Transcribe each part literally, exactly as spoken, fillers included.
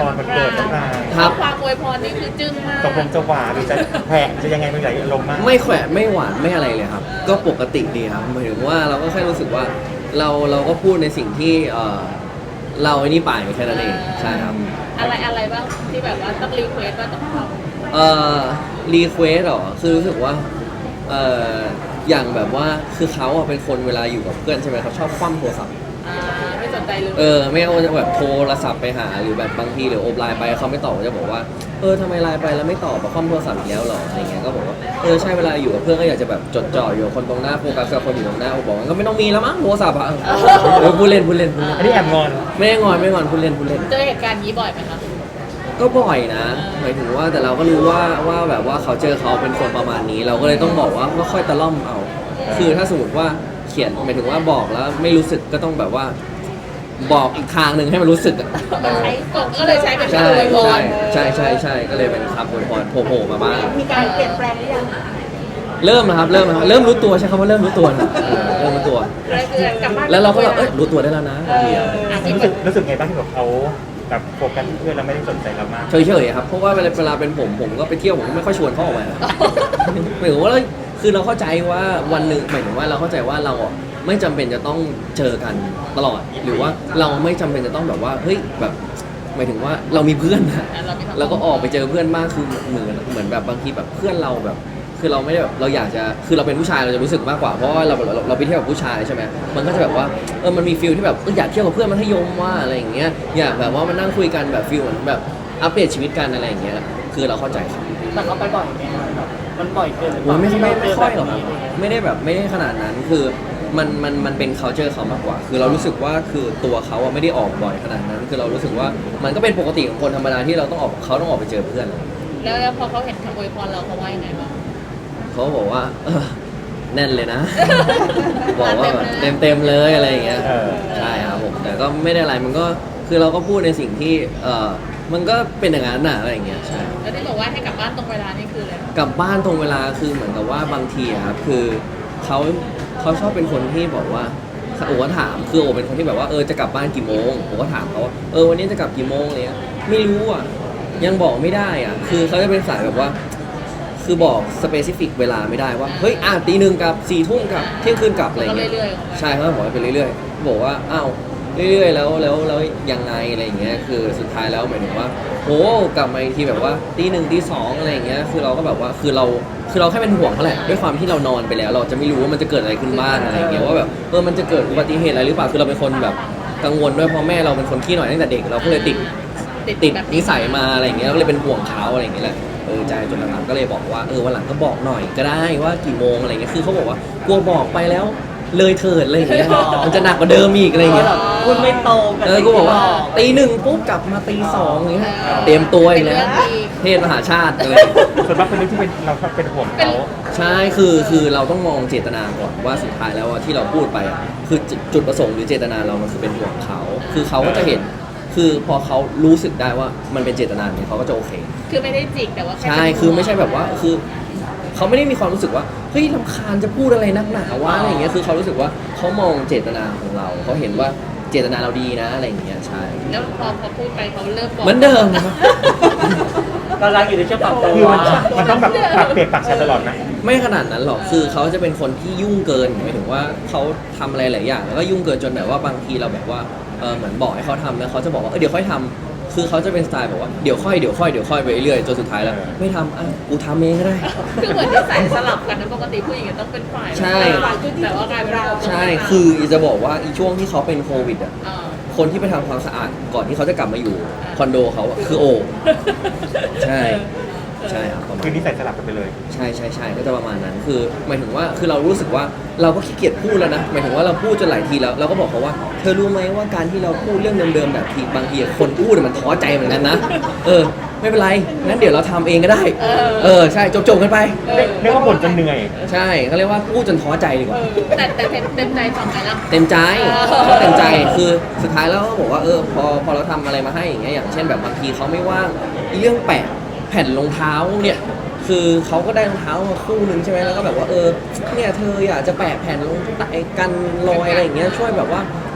รวันเกิดน้องนายครับความอวยพรนี่คือจึ้งมากตกลงจะหวานหรือจะแผลจะยังไงไม่ไหลลมณ์มากไม่แขวะไม่หวานไม่อะไรเลยครับ ก็ปกติดีครับหมายถึงว่าเราก็แค่รู้สึกว่าเราเราก็พูดในสิ่งที่เออเราไอ้นี่ไปแค่นั้นเองใช่ครับอะไรอะไรบ้างที่แบบว่าต้องรีเควสว่าต้องทำเอ่อรีเควสหรอคือรู้สึกว่าเอ่ออย่างแบบว่าคือเขาอะเป็นคนเวลาอยู่กับเพื่อนใช่ไหมเขาชอบคว่ำโทรศัพท์อ่าไม่สนใจเลยเออไม่เอาจะแบบโทรศัพท์ไปหาหรือแบบบางทีหรือโอบไลน์ไปเขาไม่ตอบก็จะบอกว่าเออทำไมไลน์ไปแล้วไม่ตอบแบบคว่ำโทรศัพท์อีกแล้วหรออะไรเงี้ยก็บอกว่าเออใช่เวลาอยู่กับเพื่อนก็อยากจะแบบจดจ่ออยู่กับคนตรงหน้าโฟกัสกับคนอยู่ตรงหน้าโอบอกว่าก็ไม่ต้องมีแล้วมั้งโทรศัพท์อะเออพูดเล่นพูดเล่นพูดเล่นอันนี้แอบงอนไม่ได้งอนไม่งอนพูดเล่นพูดเล่นเจอเหตุการณ์นี้บ่อยไหมคะก็บ่อยนะหมายถึงว่าแต่เราก็รู้ว่าว่าแบบว่าเขาเจอเขาเป็นคนประมาณนี้ เราก็เลยต้องบอกว่าก็ค่อยตะล่อมเอา คือถ้าสมมติว่าเขียนหมายถึงว่าบอกแล้วไม่รู้สึกก็ต้องแบบว่าบอกอีกทางหนึ่งให้มันรู้สึกอะใช้กดก็เลยใช้เป็นใช่คำอวยพใช่รใช่ใช่ใช่ก็เลยเป็นคำอวยพรโผล่ๆมาบ้างมีการเปลี่ยนแปลงหรือยังเริ่มนะครับเริ่มนะครับเริ่มรู้ตัวใช่คำว่าเริ่มรู้ตัวนะเออเริ่มรู้ตัวเลยคือกลับบ้านแล้วเราก็แบบเอ้ยรู้ตัวได้แล้วนะบางทีอะอ่ะที่รู้แบสึกบรู้สึกไงบ้างที่แบบเขาแบบโฟกัสที่เพื่อนแล้วไม่ได้สนใจเรามากเฉยๆครับเพราะว่าเวลาเวลาเป็นผมผมก็ไปเที่ยวผมก็ไม่ค่อยชวนเขาออกมา หมายถึงว่าเราคือเราเข้าใจว่าวันหนึ่งหมายถึงว่าเราเข้าใจว่าเราอ่ะไม่จำเป็นจะต้องเจอกันตลอด หรือว่าเราไม่จำเป็นจะต้องแบบว่าเฮ้ยแบบหมายถึงว่าเรามีเพื่อนนะเราไม่ทำเราก็ออกไปเจอเพื่อนมากคือเหมือนเหมือนแบบบางทีแบบเพื่อนเราแบบ คือเราไม่ได้แบบเราอยากจะคือเราเป็นผู้ชายเราจะรู้สึกมากกว่าเพราะว่าเราเราเราไปเที่ยวกับผู้ชายใช่ไหมมันก็จะแบบว่าเออมันมีฟิลที่แบบเอออยากเที่ยวกับเพื่อนมัธยมว่าอะไรอย่างเงี้ยอยากแบบว่ามานั่งคุยกันแบบฟิลเหมือนแบบอัปเดตชีวิตกันอะไรอย่างเงี้ยคือเราเข้าใจครับแต่เขาไปบ่อยไหมแบบมันบ่อยเกินหรือเปโอ้ล่ายไม่ไม่ไม่ค่อยหรอกแบครับบนี้ไม่ได้แบบไม่ได้ขนาดนั้นคือมันมันมันเป็น culture เขามากกว่า คือเรารู้สึกว่าคือตัวเขาอะไม่ได้ออกบ่อยขนาดนั้น คือเรารู้สึกว่ามันก็เป็นปกติของคนธรรมดาที่เราต้องออกเขาต้องออกไปเจอเพื่อนแล้วแล้วพอเขาเห็นคำอวยพรเราเขาว่ายังไงบ้างเขาบอกว่าเออแน่นเลยนะ บอกว่าแบบเต็มเต็มๆเลยอะไรอย่างเงี้ยเออใช่ครับผมแต่ก็ไม่ได้อะไรมันก็คือเราก็พูดในสิ่งที่เออมันก็เป็นอย่างนั้นน่ะอะไรอย่างเงี้ยใช่แล้วที่บอกว่าให้กลับบ้านตรงเวลานี่คืออะไรกลับบ้านตรงเวลาคือเหมือนกับว่าบางทีอะครับคือเขาเขาชอบเป็นคนที่บอกว่าโอ้ก็ถามคือโอ้เป็นคนที่แบบว่าเออจะกลับบ้านกี่โมงผมก็ถามเขาว่าเออวันนี้จะกลับกี่โมงอะไรเงี้ยไม่รู้อ่ะยังบอกไม่ได้อ่ะคือเขาจะเป็นสายแบบว่า คือบอกสเปซิฟิกเวลาไม่ได้ว่าเฮ้ยอ่ะตีหนึ่งกับสี่ทุ่มกับเที่ยงคืนกลับอะไรก็เงี้ยเรื่อยๆของมันใช่เขาบอกว่าไปเรื่อยๆบอกว่าอ้าวเรื่อยๆแล้วแล้วแล้วยังไงอะไรอย่างเงี้ยคือสุดท้ายแล้วหมายถึงว่าโอ้กลับมาอีกทีแบบว่าตีหนึ่งตีสองอะไรอย่างเงี้ยคือเราก็แบบว่าคือเราคือเราแค่เป็นห่วงเขาแหละด้วยความที่เรานอนไปแล้ว เราจะไม่รู้ว่ามันจะเกิดอะไรขึ้นบ้างอะไรอย่างเงี้ยว่าแบบเออมันจะเกิดอุบัติเหตุอะไรหรือเปล่าคือเราเป็นคนแบบกังวลด้วยเพราะแม่เราเป็นคนขี้หน่อยตั้งแต่เด็กเราก็เลยติด ติดแบบนิสัยมาอะไรอย่างเงี้ยก็เลยเป็นห่วงเขาอะไรอย่างเงี้ยแหละเออใจจนหลังๆก็เลยบอกว่าเออวันหลังก็บอกหน่อยก็ได้ว่ากี่โมงอะไรเงี้ยคือเขาบอกว่ากลัวบอกไปแล้วเลยเถิดอะไรอย่างเงี้ยมันจะหนักกว่าเดิมอีกอะไรอย่างเงี้ยพูดไม่ตรงกับเออกูบอกว่าตีหนึ่งปุ๊บกลับมาตีสองอย่างเงี้ยเตรียมตัวอีกแล้วเทศมหาชาติเลยส่วนมากเป็นเรื่องที่เป็นเราชอบเป็นห่วงเขาใช่คือคือเราต้องมองเจตนาก่อนว่าสุดท้ายแล้วอะที่เราพูดไปอะคือจุดจุดประสงค์หรือเจตนาเรามันคือเป็นห่วงเขาคือเขาก็จะเห็นคือพอเขารู้สึกได้ว่ามันเป็นเจตนาเนี่ยเขาก็จะโอเคคือไม่ได้จิกแต่ว่าแใช่ คือไม่ใช่แบบว่า คือเขาไม่ได้มีความรู้สึกว่า เฮ้ยรำคาญจะพูดอะไรนักหนาวะอะไรอย่างเงี้ย คือเขารู้สึกว่าเขามองเจตนาของเรา เขาเห็นว่าเจตนาเราดีนะอะไรอย่างเงี้ย ใช่แล้วพอพอพูดไปเขาเริ่มบอกเหมือนเดิมนะครับกำลังอยู่ในช่วงปรับตัวคือมันมันต้องแบบปรับเปลี่ยนปรับใช้ตลอดนะไม่ขนาดนั้นหรอก คือเขาจะเป็นคนที่ยุ่งเกินหมายถึงว่าเขาทำอะไรหลายอย่างแล้วก็ยุ่งเกินจนแบบว่าบางทีเราแบบว่า เออเหมือนบอกให้เขาทำแล้วเขาจะบอกว่า เออเดี๋ยวค่อยทำคือเขาจะเป็นสไตล์แบบว่า เดี๋ยวค่อย เดี๋ยวค่อย เดี๋ยวค่อยไปเรื่อยๆจนสุดท้ายแล้ว ไม่ทำอ่ะกูทำเองก็ได้คือเหมือนที่ใส่สลับกันนะปกติผู้หญิงต้องเป็นฝ่ายใช่แต่ว่ากลายเป็นเราใช่ คือจะบอกว่าอีช่วงที่เขาเป็นโควิดอ่ะอ่าคนที่ไปทำความสะอาดก่อนที่เขาจะกลับมาอยู่คอนโดเขาอะคือโอ ใช่ ใช่ครับประมาณคือนิสัยสลับกันไปเลยใช่ใช่ใช่ก็จะประมาณนั้นคือหมายถึงว่าคือเรารู้สึกว่าเราก็ขี้เกียจพูดแล้วนะหมายถึงว่าเราพูดจนหลายทีแล้วเราก็บอกเขาว่าเธอรู้ไหมว่าการที่เราพูดเรื่องเดิมๆแบบทีบางทีคนพูดมันท้อใจเหมือนกันนะเออไม่เป็นไรงั้นเดี๋ยวเราทำเองก็ได้เออใช่จบๆกันไปเรียกว่าบ่นจนเหนื่อยใช่เขาเรียกว่าพูดจนท้อใจดีกว่าแต่แต่เต็มเต็มใจฟังไหมล่ะเต็มใจเออเขาเต็มใจคือสุดท้ายแล้วเขาบอกว่าเออพอพอเราทำอะไรมาให้อย่างเงี้ยอย่างเช่นแบบบางทีเขาไม่ว่างเรื่องแปะแผ่นรองเท้าเนี่ยคือเขาก็ได้รองเท้ามาคู่หนึ่งใช่ไหมแล้วก็แบบว่าเออเนี่ยเธออยากจะแปะแผ่นรองเท้ากันรอยอะไรอย่างเงี้ยช่วยแบบว่า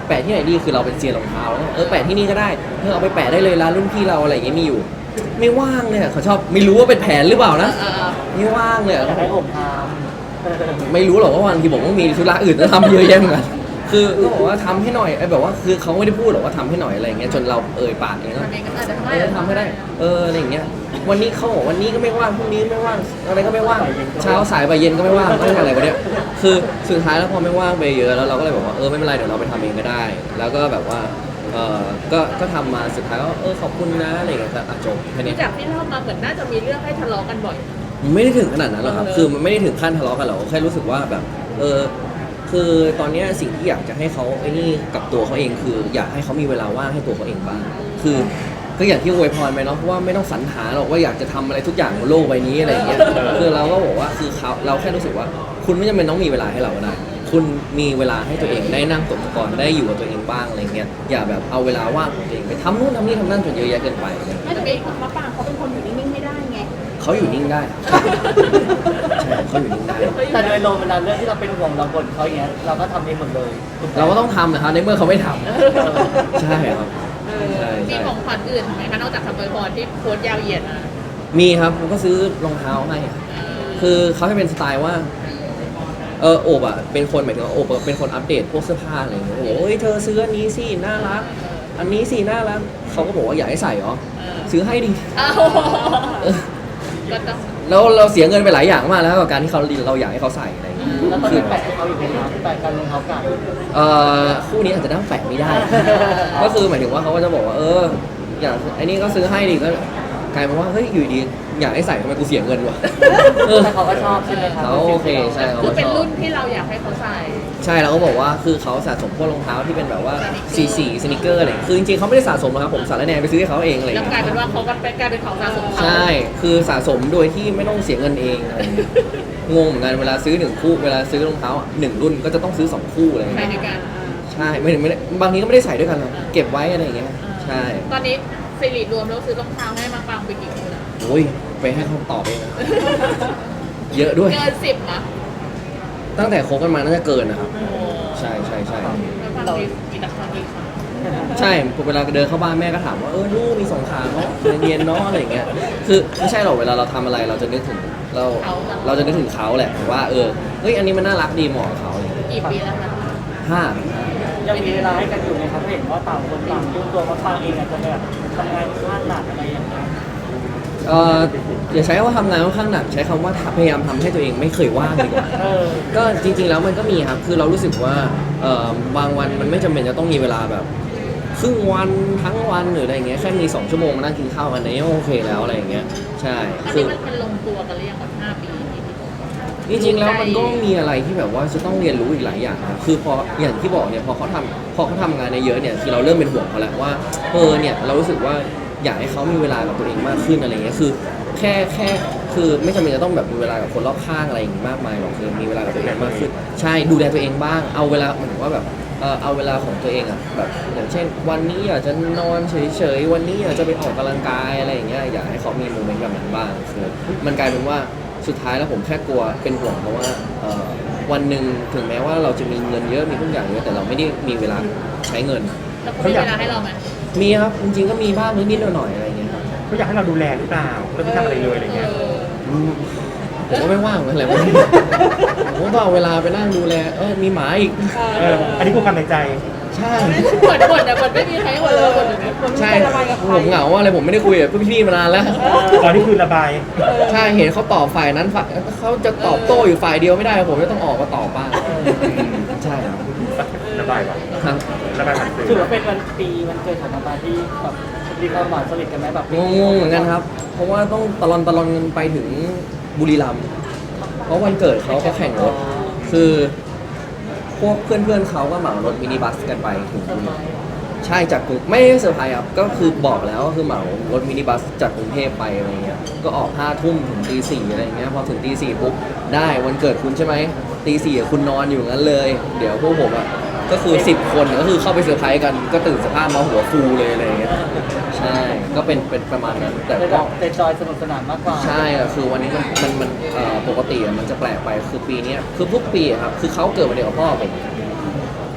แปะที่ไหนดีคือเราเป็นเซียนรองเท้าแล้วเออแปะที่นี่ก็ได้เออเอาไปแปะได้เลยร้านรุ่นพี่เราอะไรอย่างเงี้ยมีอยู่ ไม่ว่างเลยอะเขาชอบไม่รู้ว่าเป็นแผนหรือเปล่านะเออไม่ว่างเลยอะอยากให้ผมทไม่รู้หรอกว่าวันที่ผมต้องมีธุระอื่นจะทำเยอะแยะเหมือนกันคือก็บอกว่าทำให้หน่อยไอ้แบบว่าคือเขาไม่ได้พูดหรอกว่าทำให้หน่อยอะไรอย่างเงี้ยจนเราเอ่ยปากเองนะทำเองก็อาจจะทำเออทำให้ได้เอออะไรอย่างเงี้ยวันนี้เขาบอกวันนี้ก็ไม่ว่างพรุ่งนี้ไม่ว่างอะไรก็ไม่ว่างเช้าสายบ่ายเย็นก็ไม่ว่างต้องอะไรวะเนี่ยคือสุดท้ายแล้วพอไม่ว่างไปเยอะแล้วเราก็เลยบอกว่าเออไม่เป็นไรเดี๋ยวเราไปทำเองก็ได้ แล้วก็แบบว่าเออก็ก็ทำมาสุดท้ายก็เออขอบคุณนะอะไรอย่างเงี้ยก็อ่ะจบแค่นี้จากที่เล่ามาเหมือนน่าจะมีเรื่องให้ทะเลาะกันบ่อยไม่ได้ถึงขนาดนั้นหรอกครับ คือมันไม่ได้ถึงขั้นทะเลาะกันหรอกแค่รู้สึกว่าแบบ เออ คือตอนเนี้ยสิ่งที่อยากจะให้เขาไอ้นี่กับตัวเขาเองคือ อยากให้เขามีเวลาว่างให้ตัวเขาเองบ้าง คือ ก็อย่างที่อวยพรไปเนาะเพราะว่าไม่ต้องสรรหาหรอกว่าอยากจะทำอะไรทุกอย่างบนโลกใบนี้อะไรอย่างเงี้ย คือเราก็บอกว่าคือเขาเราแค่รู้สึกว่า คุณไม่จำเป็นต้องมีเวลาให้เราก็ได้ คุณมีเวลาให้ตัวเองได้นั่งตกตะกอนได้อยู่กับตัวเองบ้างอะไรเงี้ย อย่าแบบเอาเวลาว่างของตัวเองไปทำนู่นทำนี่ทำนั่นจนเยอะแยะเกินไปอะไรเงี้ยไม่แต่ไม่มะปรางเขาเป็นคนอยู่นิ่งๆไม่ได้ไงเขาอยู่นิ่งได้ ใช่เขาอยู่นิ่งได้ำแต่โดยรวมเวลาเรื่องที่เราเป็นห่วงเราบ่นเขาอย่างเงี้ยเราก็ทำเองหมดเลยถูไหมเราก็ต้องทำนะครับในเมื่อเขาไม่ทำ ใช่ครับเออใช่มีใช่ของขวัญอื่นไหมคะนอกจากคำอวยพรที่โพสต์ยาวเหยียดอ่ะมีครับผมก็ซื้อรองเท้าให้เออคือเขาจะเป็นสไตล์ว่า เออโอบอ่ะเป็นคนหมายถึงว่าโอบอะเป็นคนอัปเดตพวกเสื้อผ้าอะไรอย่างเงี้ยโอ้ยเธอซื้ออันนี้สิน่ารัก อันนี้สิน่ารักเขาก็บอกว่าอยากให้ใส่เหรอเออซื้อให้ดิอ้าวเออก็ต้องแล้วเราเสียเงินไปหลายอย่างมากแล้วกับการที่เขาเราอยากให้เขาใส่อะไรอย่างเงี้ยแล้วตอนคือนี้แปะให้เขาอยู่ไหมครับแปะกันรองเท้ากัดเอ่อคู่นี้อาจจะนั่งแปะไม่ได้ ก็คือหมายถึงว่าเขาก็จะบอกว่า เออ อยากไอ้นี่ก็ซื้อให้ดิก็กลายเป็นว่าเฮ้ยอยู่ดีอยากให้ใส่ทำไมกูเสียเงินวะเออแต่เขาก็ชอบใช่ไหมครับเขาโอเคใช่เขาคือก็เป็นชอบรุ่นที่เราอยากให้เขาใส่ใช่แล้วก็บอกว่าคือเขาสะสมพวกรองเท้าที่เป็นแบบว่าสีสีสนิเกอร์อะไรคือจริงๆเขาไม่ได้สะสมนะครับผมสารแนไปซื้อให้เขาเองอะไรอแล้วย่างกลายเงี้ยเป็นว่าเขาก็เป็นกลายเป็นของสะสมเขาใช่คือสะสมโดยที่ไม่ต้องเสียเงินเองอะไรอย่างเงี้ยงงเหมือนกันเวลาซื้อหนึ่งคู่เวลาซื้อรองเท้าหนึ่งรุ่นก็จะต้องซื้อสองคู่อะไรอย่างไปเงี้ยด้วยกันใช่ไม่ถึงไม่ได้บางทีก็ไม่ได้ใส่ด้วยกันหรอกเก็บไว้อะไรอย่างเงี้ยใช่ตอนนี้สิริรวมแล้วซื้อรองเท้าให้มะปรางไปกี่คู่นะโอ้ยไปให้เขาตอบเองนะเยอะด้วยเกินสิบนะตั้งแต่คบกันมาน่าจะเกินนะครับโอ้ใช่ใช่ใช่มะปรางมีมีแต่คนดีค่ะใช่เวลาเดินเข้าบ้านแม่ก็ถามว่าเออลูกมีสองขาเนาะเรียนๆเนาะอะไรอย่างเงี้ยคือไม่ใช่หรอกเวลาเราทำอะไรเราจะนึกถึงเราเราจะนึกถึงเขาแหละว่าเออเฮ้ยอันนี้มันน่ารักดีเหมาะกับเขาอะไรอย่างเงี้ยกี่ปีแล้วคะห้ายังมีเวลาให้กันอยู่ไหมครับเห็นว่าต่างคนต่างยุ่งตัวมาฟังเองอาจจะแบบทำงานพลาดหนักอะไรอย่างเงี้ยเอออย่าใช้คำว่าทำงานค่อนข้างหนักใช้คำว่าพยายามทำให้ตัวเองไม่เคยว่างดีกว่าเออก็จริงๆแล้วมันก็มีครับคือเรารู้สึกว่าเออบางวันมันไม่จำเป็นจะต้องมีเวลาแบบครึ่งวันทั้งวันหรืออะไรอย่างเงี้ยแค่มีสองชั่วโมงมานั่งกินข้าวกันเนี่ยโอเคแล้วอะไรอย่างเงี้ยใช่อันคืนี้อมันมันลงตัวกันหรือยังแบบห้าปีที่พี่บอกจริงๆแล้วมันก็มีอะไรที่แบบว่าจะต้องเรียนรู้อีกหลายอย่างครับคือพออย่างที่บอกเนี่ยพอเขาทำพอเขาทำงานในเยอะเนี่ยคือเราเริ่มเป็นห่วงเขาแล้วว่าเออเนี่ยเรารู้สึกว่าอยากให้เขามีเวลากับตัวเองมากขึ้นอะไรเงี้ยคือแค่แค่คือไม่จำเป็นจะต้องแบบมีเวลากับคนรอบข้างอะไรอย่างงี้มากมายหรอกคือมีเวลากับตัวเองมากขึ้นใช่ดูแลตัวเองบ้างเอาเวลาเหมือนว่าแบบเออเอาเวลาของตัวเองอะแบบอย่างเช่น วันนี้อยากจะนอนเฉยๆวันนี้อยากจะไปออกกำลังกายอะไรอย่างเงี้ยอยากให้เขามีโมเมนต์แบบนั้นบ้างคือมันกลายเป็นว่าสุดท้ายแล้วผมแค่กลัวเป็นห่วงเพราะว่าเอ่อวันหนึ่งถึงแม้ว่าเราจะมีเงินเยอะมีทุกอย่างเยอะแต่เราไม่ได้มีเวลาใช้เงินแล้วเขามีเวลาให้เราไหมมีครับจริงๆก็มีบ้างนิดๆหน่อยๆอะไรอย่างเงี้ยครับเขาอยากให้เราดูแลหรือเปล่าเราไม่ทำอะไรเลยอะไรเงี้ยเออผมก็ไม่ว่างเหมือนอะไรวะผมก็ต้องเอาเวลาไปนั่งดูแลเออมีหมาอีกเอออันนี้คือความในใจใช่เหมือนเหมือนแต่เหมือนไม่มีใครให้หมดเลยหมดเลยใช่ผมเหงาอะไรผมไม่ได้คุยกับพี่ๆมานานแล้วตอนนี้คือระบายใช่เห็นเขาตอบฝ่ายนั้นฝ่ายเขาจะตอบโต้อยู่ฝ่ายเดียวไม่ได้ผมจะต้องออกมาตอบบ้างใช่ครับระบายว่ะครับระบายผ่านสื่อถือว่าเป็นวันปีวันเกิดของมาปาที่แบบมีความหวานสนิทกันไหมแบบงงๆเหมือนกันครับ เพราะว่าต้องตะลอนตะลอนกันไปถึงบุรีรัมย์เพราะวันเกิดเขาเขาแข่งรถคือ พวกเพื่อนๆเขาก็เหมารถมินิบัสกันไปถึงใช่จากกรุงไม่ได้เซอร์ไพรส์ครับก็คือบอกแล้วก็คือเหมารถมินิบัสจากกรุงเทพไปอะไรเงี้ยก็ออกห้าทุ่มถึงตีสี่อะไรเงี้ยพอถึงตีสี่ปุ๊บได้วันเกิดคุณใช่ไหมตีสี่คุณนอนอยู่งั้นเลย เดี๋ยวพวกผมอ่ะก็คือสิบคนก็คือเข้าไปเซอร์ไพรส์กันก็ตื่นสภาพมาหัวฟูเลยอะไรเงี้ยใช่ก็เป็นเป็นประมาณนั้นแต่เป็นแบก็บเป็นจอยสนุกสนานมากกว่าใช่อะคือวันนี้มันมันมันเอ่อปกติอะมันจะแปลกไปคือปีเนี้ยคือทุกปีอะครับคือเขาเกิดวันเดียวกับพ่อผม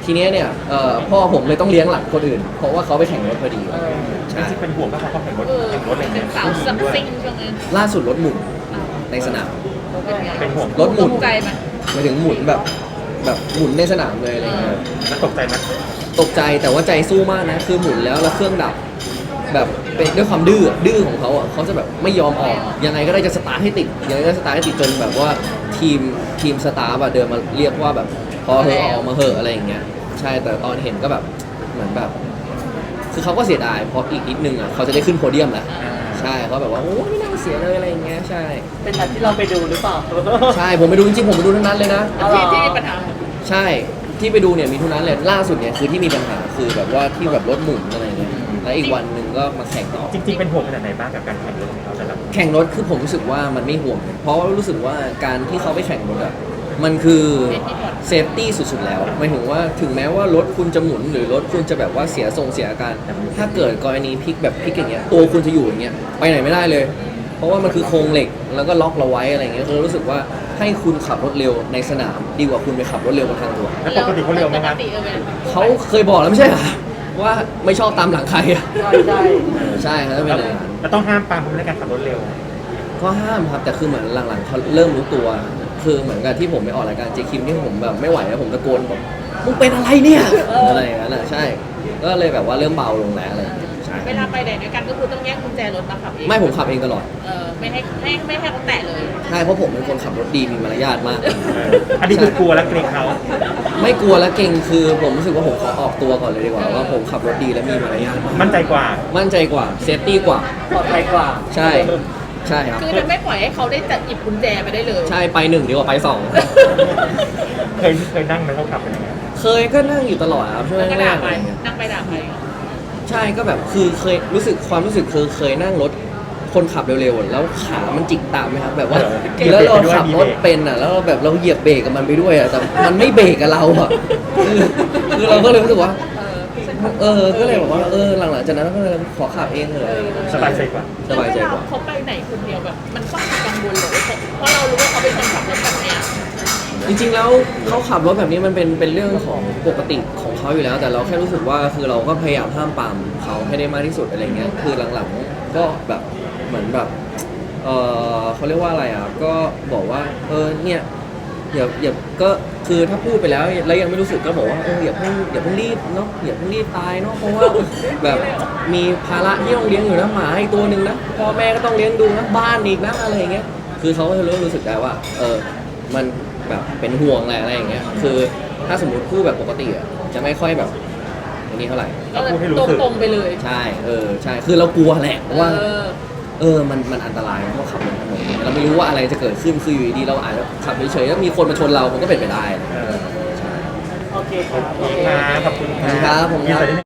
ทีเนี้ยเนี่ยเอ่อพ่อผมเลยต้องเลี้ยงหลังคนอื่น เพราะว่าเขาไปแข่งรถพอดีเออใช่จริงๆเป็นห่วงก็เพราะเขาแข่งรถเออแข่งรถอะไรเป็เงี้นยสาวซักซิ่งช่วงนั้นล่าสุดรถหมุนอ้าวในสนามเป็นไงเป็นห่วงรถหมุนตกใจไหมหมายถึงหมุนแบบแบบหมุนในสนามเลยอะไรเงี้ยแล้วตกใจไหมตกใจแต่ว่าใจสู้มากนะคือหมุนแล้วแล้วเครื่องดับ แบบเป็นด้วยความดื้อดื้อของเขาอ่ะเขาจะแบบไม่ยอมออกยังไงก็ได้จะสตาร์ทให้ติดยังไงก็สตาร์ทให้ติดจนแบบว่าทีมทีมสตาร์อะเดินมาเรียกว่าแบบพอเหอะออกมาเหอะอะไรอย่างเงี้ยใช่แต่ตอนเห็นก็แบบเหมือนแบบ คือเขาก็เสียดายเพราะอีกนิดนึงอ่ะเขาจะได้ขึ้นโพเดียมแหละใช่เขาแบบว่าโอ้ไม่น่าเสียเลยอะไรอย่างเงี้ยใช่เป็นนัดที่เราไปดูหรือเปล่าใช่ผมไปดูจริงๆผมไปดูทั้งนั้นเลยนะอ๋อเหรอที่ที่มีปัญหาใช่ที่ไปดูเนี่ยมีทุกนั้นเลยล่าสุดเนี่ยคือที่มีปัญหาคือแบบว่าที่แบบรถหมุนอะไรเงี้ยแล้วอีกวันหนึ่งก็มาแข่งต่อจริงๆเป็นห่วงขนาดไหนบ้างกับการแข่งรถของเขาแต่ละแข่งรถคือผมรู้สึกว่ามันไม่ห่วงเลยเพราะว่ารู้สึกว่าการที่เขาไปแข่งรถอะมันคือเซฟตี้สุดๆแล้วหมายถึงว่าถึงแม้ว่ารถคุณจะหมุนหรือรถคุณจะแบบว่าเสียทรงเสียอาการ ถ้าเกิดกรณีพลิกแบบพลิกอย่างเงี้ยตัวคุณจะอยู่อย่างเงี้ยไปไหนไม่ได้เลย เพราะว่ามันคือโครงเหล็กแล้วก็ล็อกเราไว้อะไรเงี้ยคือรู้สึกว่าให้คุณขับรถเร็วในสนามดีกว่าคุณไปขับรถเร็วบนทางด่วนแล้วปกติเขาเร็วไหมครับปกติเออไหมเขาเคยบอกแล้วไม่ใช่เหรอว่าไม่ชอบตามหลังใครอะใช่ใช่ใช่ครับเป็นอย่างนั้นแล้วต้องห้ามปรามเขาในการขับรถเร็วก็ห้ามครับแต่คือเหมือนหลังๆเขาเริ่มรู้ตัว คือเหมือนกับที่ผมไปออกรายการเจคิมที่ผมแบบไม่ไหวแล้วผมตะโกนบอกมึงเป็นอะไรเนี่ยอะไรอย่างนั้นอ่ะใช่ ก็เลยแบบว่าเริ่มเบาลงแล้วอะไรอย่างเงี้ยใช่เวลาไปไหนด้วยกันก็คือต้องแยกกุญแจรถมาขับเองไม่ผมขับเองตลอดเออไม่ให้ไม่ไม่ให้เขาแตะเลยใช่เพราะผมเป็นคนขับรถดีมีมารยาทมากเอออันนี้คือกลัวและเกรงเขาไม่กลัวและเก่งคือผมรู้สึกว่าผมขอออกตัวก่อนเลยดีกว่าว่าผมขับรถดีและมีมารยาทมากมั่นใจกว่ามั่นใจกว่าเซฟตี้กว่าปลอดภัยกว่าใช่ใช่ครับคือจะไม่ปล่อยให้เขาได้จับหยิบกุญแจไปได้เลยใช่ไปหนึ่งดีกว่าไปสองเคยเคยนั่งไหมเขาขับเป็นยังไงเคยก็นั่งอยู่ตลอดครับช่วงแล้วก็แรด่ากๆไปอะไรเงี้ยนั่งไปด่าไปใช่ก็แบบคือเคยรู้สึกความรู้สึกคือเคยนั่งรถคนขับเร็วๆแล้วขามันจิกตามไหมครับแบบว่าแล้วเราขับรถเป็นอ่ะแล้วแบบเราเหยียบเบรกกับมันไปด้วยอ่ะแต่มันไม่เบรกกับเราอ่ะคือคือเราก็เลยรู้สึกว่าเออเออก็เลยบอกว่าเออหลังๆจากนั้นก็เลยขอขับเองเลยสบายใจกว่าสบายใจกว่าเวลเขาไปไหนคนเดียวแบบ มันต้องมีกังวลเลยเพราะเรารู้ว่าเขาเป็นคนขับรถแบบเนี้ยจริงๆแล้วเขาขับรถแบบนี้มันเป็นเป็นเรื่องของปกติของเขาอยู่แล้ว แต่เราแค่รู้สึกว่าคือเราก็พยายามห้ามปรามเขาให้ได้มากที่สุดอะไรเงี้ยคือหลังๆก็แบบเหมือนแบบเออเขาเรียกว่าอะไรอ่ะก็บอกว่าเออเนี่ยอย่าอย่าก็คือถ้าพูดไปแล้วแล้วยังไม่รู้สึกก็บอกว่าเอออย่าเพิ่งอย่าเพิ่งรีบเนาะอย่าเพิ่งรีบตายเนาะเพราะว่าแบบมีภาระที่ต้องเลี้ยงอยู่นะหมาอีกตัวหนึ่งนะพ่อแม่ก็ต้องเลี้ยงดูนะบ้านอีกนะอะไรอย่างเงี้ยคือเขาก็รู้รู้สึกได้ว่าเออมันแบบเป็นห่วงแหละอะไรอย่างเงี้ยคือถ้าสมมติพูดแบบปกติอ่ะจะไม่ค่อยแบบอันนี้เท่าไหร่ก็เลยพูดให้รู้ตรงสึกตรงๆไปเลยใช่เออใช่คือเรากลัวแหละว่าเออเออ มัน มันอันตรายเพราะขับบนถนนเราไม่รู้ว่าอะไรจะเกิดขึ้น คืออยู่ดีๆเราอาจจะขับเฉยๆแล้วมีคนมาชนเรา มันก็เป็นไปได้เออใช่โอเคครับโอเคครับขอบคุณขอบคุณครับผมครับยินดี